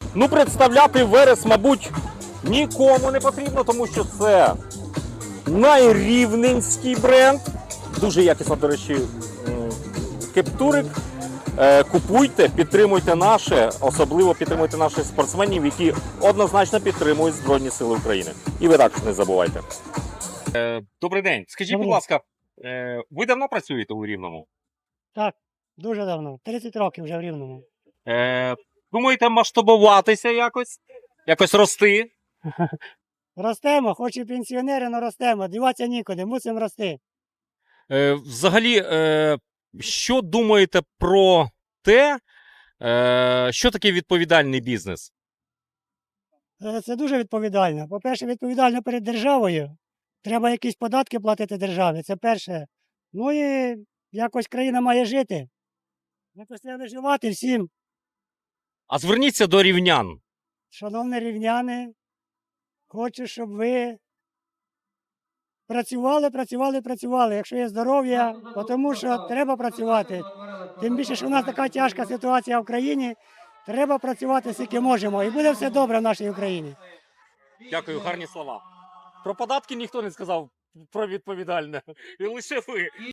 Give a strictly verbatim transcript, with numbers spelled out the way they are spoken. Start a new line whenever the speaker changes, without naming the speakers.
Ну, представляти Верес, мабуть, нікому не потрібно, тому що це найрівненський бренд. Дуже якісно, до речі, м, кептурик. Е, Купуйте, підтримуйте наше, особливо підтримуйте наших спортсменів, які однозначно підтримують Збройні Сили України. І ви також не забувайте. Е, Добрий день. Скажіть,
Добрий.
будь ласка, е, ви давно працюєте у Рівному?
Так, дуже давно. тридцять років вже в Рівному.
Е, Думаєте масштабуватися якось? Якось рости?
Ростемо, хоч і пенсіонери, але ростемо. Діватися нікуди, мусимо рости.
Е, Взагалі, е, що думаєте про те, е, що таке відповідальний бізнес?
Е, Це дуже відповідально. По-перше, відповідально перед державою. Треба якісь податки платити державі, це перше. Ну і якось країна має жити. Якось треба виживати всім.
А зверніться до рівнян.
Шановні рівняни, хочу, щоб ви працювали, працювали, працювали, якщо є здоров'я, тому що треба працювати. Тим більше, що в нас така тяжка ситуація в країні, треба працювати скільки можемо, і буде все добре в нашій Україні.
Дякую, гарні слова. Про податки ніхто не сказав, про відповідальне. І лише ви.